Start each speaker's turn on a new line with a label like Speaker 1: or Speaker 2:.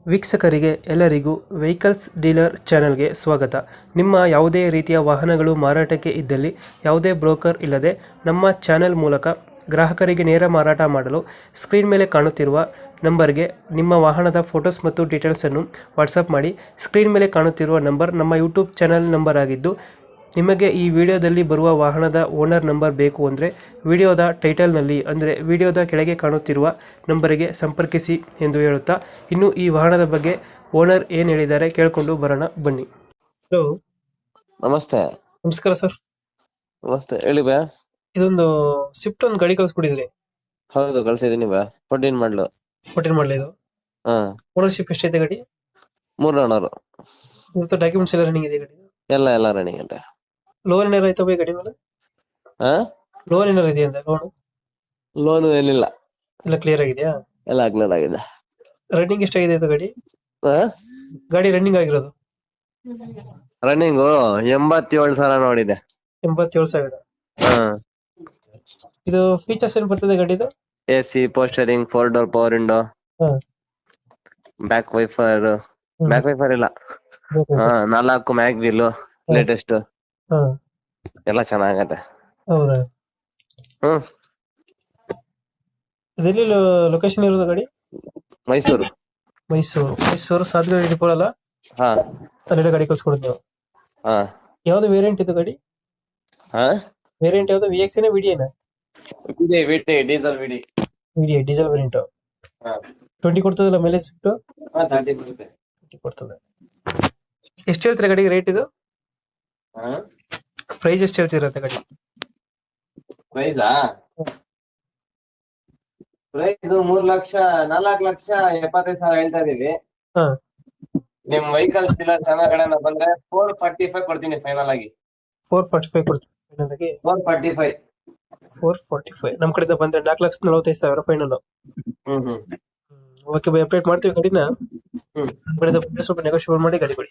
Speaker 1: ವೀಕ್ಷಕರಿಗೆ ಎಲ್ಲರಿಗೂ vehicles dealer ಚಾನೆಲ್ಗೆ ಸ್ವಾಗತ. ನಿಮ್ಮ ಯಾವುದೇ ರೀತಿಯ ವಾಹನಗಳು ಮಾರಾಟಕ್ಕೆ ಇದ್ದಲ್ಲಿ ಯಾವುದೇ ಬ್ರೋಕರ್ ಇಲ್ಲದೆ ನಮ್ಮ ಚಾನೆಲ್ ಮೂಲಕ ಗ್ರಾಹಕರಿಗೆ ನೇರ ಮಾರಾಟ ಮಾಡಲು ಸ್ಕ್ರೀನ್ ಮೇಲೆ ಕಾಣುತ್ತಿರುವ ನಂಬರ್ಗೆ ನಿಮ್ಮ ವಾಹನದ ಫೋಟೋಸ್ ಮತ್ತು ಡೀಟೇಲ್ಸನ್ನು ವಾಟ್ಸಪ್ ಮಾಡಿ. ಸ್ಕ್ರೀನ್ ಮೇಲೆ ಕಾಣುತ್ತಿರುವ ನಂಬರ್ ನಮ್ಮ ಯೂಟ್ಯೂಬ್ ಚಾನೆಲ್ ನಂಬರ್ ಆಗಿದ್ದು, ನಿಮಗೆ ಈ ವಿಡಿಯೋದಲ್ಲಿ ಬರುವ ವಾಹನದ ಓನರ್ ನಂಬರ್ ಬೇಕು ಅಂದರೆ ವಿಡಿಯೋದ ಟೈಟಲ್ನಲ್ಲಿ ಅಂದರೆ ವಿಡಿಯೋದ ಕೆಳಗೆ ಕಾಣುತ್ತಿರುವ ನಂಬರಿಗೆ ಸಂಪರ್ಕಿಸಿ ಎಂದು ಹೇಳುತ್ತಾ, ಇನ್ನು ಈ ವಾಹನದ ಬಗ್ಗೆ ಓನರ್ ಏನು ಹೇಳಿದ್ದಾರೆ ಕೇಳಿಕೊಂಡು ಬರೋಣ ಬನ್ನಿ. ಹಲೋ,
Speaker 2: ನಮಸ್ತೆ.
Speaker 1: ನಮಸ್ಕಾರ ಸರ್.
Speaker 2: ನಮಸ್ತೆ, ಹೇಳಿ ಬಾ.
Speaker 1: ಇದೊಂದು ಸ್ವಿಫ್ಟ್ ಒಂದು ಗಾಡಿ ಕಳಿಸ್ಕೊಟ್ಟಿದ್ರಿ.
Speaker 2: ಹೌದು, ಕಳ್ಸಿದೀನಿ ಬಾ. 14 ಮಾಡ್ಲು.
Speaker 1: 14 ಮಾಡಲಿ ಇದು.
Speaker 2: ಹಾ,
Speaker 1: ಓನರ್ಶಿಪ್ ಎಷ್ಟೈತೆ ಗಾಡಿ?
Speaker 2: 3 ಓನರು.
Speaker 1: ಇವತ್ತು ಡಾಕ್ಯುಮೆಂಟ್ಸ್ ಎಲ್ಲ ರನ್ನಿಂಗ್ ಇದೆ ಗಾಡಿ?
Speaker 2: ಎಲ್ಲ ರನ್ನಿಂಗ್ ಅಂತೆ.
Speaker 1: ಲೋನ್ ಏನಾರು ಆಯ್ತಾ ಬೈ ಗಾಡಿ ಮೇಲೆ?
Speaker 2: ಹಾ,
Speaker 1: ಲೋನ್ ಏನಾರು ಇದೆಯಾ ಅಂತ?
Speaker 2: ಲೋನು ಏನಿಲ್ಲ,
Speaker 1: ಎಲ್ಲ ಕ್ಲಿಯರ್ ಆಗಿದೆಯಾ?
Speaker 2: ಎಲ್ಲ ಕ್ಲಿಯರ್ ಆಗಿದೆ.
Speaker 1: ರನ್ನಿಂಗ್ ಎಷ್ಟಾಗಿದೆ ಇದು ಗಾಡಿ?
Speaker 2: ಹಾ,
Speaker 1: ಗಾಡಿ ರನ್ನಿಂಗ್ ಆಗಿರೋದು
Speaker 2: ರನ್ನಿಂಗು 87,000 ನೋಡಿದೆ.
Speaker 1: 87,000.
Speaker 2: ಹಾ,
Speaker 1: ಇದು ಫೀಚರ್ಸ್ ಏನ್ ಬರ್ತದೆ ಗಾಡಿದು?
Speaker 2: AC, ಪೋಸ್ಟರಿಂಗ್, 4 door power window, back wiper. Back wiper ಇಲ್ಲ. ಹಾ, 4 ಮ್ಯಾಗ್ ವೀಲ್ ಲೇಟೆಸ್ಟ್. ಎಲ್ಲ ಚೆನ್ನಾಗತ್ತೆ.
Speaker 1: ಹೌದಾ?
Speaker 2: ಹ್ಮ್,
Speaker 1: ಇದೆಲ್ಲಿ ಲೊಕೇಶನ್ ಇರೋದು ಗಾಡಿ?
Speaker 2: ಮೈಸೂರು.
Speaker 1: ಮೈಸೂರು ಸಾಧನೆ ಡಿಪೋ ಅಲ್ಲ?
Speaker 2: ಹಾ,
Speaker 1: ಅಲ್ಲೆಲ್ಲ ಗಾಡಿ ಕಳ್ಸ್ಕೊಡೋದು ನೀವು?
Speaker 2: ಹಾ,
Speaker 1: ಯಾವ್ದು ವೇರಿಯಂಟ್ ಇದು ಗಾಡಿ?
Speaker 2: ಹಾ,
Speaker 1: ವೇರಿಯಂಟ್ ಯಾವ್ದು? VX ನ VD ನ?
Speaker 2: VD diesel VD.
Speaker 1: VD diesel variant.
Speaker 2: ಹಾ,
Speaker 1: 20 ಕೊಡ್ತದಲ್ಲ ಮೈಲೇಜ್?
Speaker 2: 30 ಬರುತ್ತೆ.
Speaker 1: 20 ಕೊಡ್ತದೆ. ಎಷ್ಟು ಹೇಳ್ತೀರಾ ಗಾಡಿಗೆ ರೇಟ್ ಇದು?
Speaker 2: ಹಾ,
Speaker 1: ಪ್ರೈಸ್ ಎಷ್ಟು ಹೇಳ್ತಿರತ್ತೆ ಗಾಡಿ?
Speaker 2: ಪ್ರೈಸಾ? ಪ್ರೈಸ್ 4,75,000 ಹೇಳ್ತಾ ಇದೀವಿ.
Speaker 1: ಹಾ,
Speaker 2: ನಿಮ್ ವೆಹಿಕಲ್ಸ್ ಡೀಲರ್ ಚಾನಲ್ ಕಡೆಯಿಂದ ಬಂದ್ರೆ 445 ಕೊಡ್ತೀನಿ ಫೈನಲ್ ಆಗಿ.
Speaker 1: 445 ಕೊಡ್ತೀವಿ ಫೈನಲ್ ಆಗಿ?
Speaker 2: 445.
Speaker 1: 445 ನಮ್ ಕಡೆಯಿಂದ ಬಂದ್ರೆ 4,45,000 ಫೈನಲ್.
Speaker 2: ಹ್ಮ್.
Speaker 1: ಓಕೆ ಬೈ, ಅಪ್ಡೇಟ್ ಮಾಡ್ತೀವಿ ಗಾಡಿನ.
Speaker 2: ಹ್ಮ್.
Speaker 1: ನಮ್ಮ ಕಡೆಯಿಂದ ಬಂದ್ರೆ ಸ್ವಲ್ಪ ನೆಗೋಷಿಯೇಟ್ ಮಾಡಿ ಗಾಡಿ ಕೊಡಿ.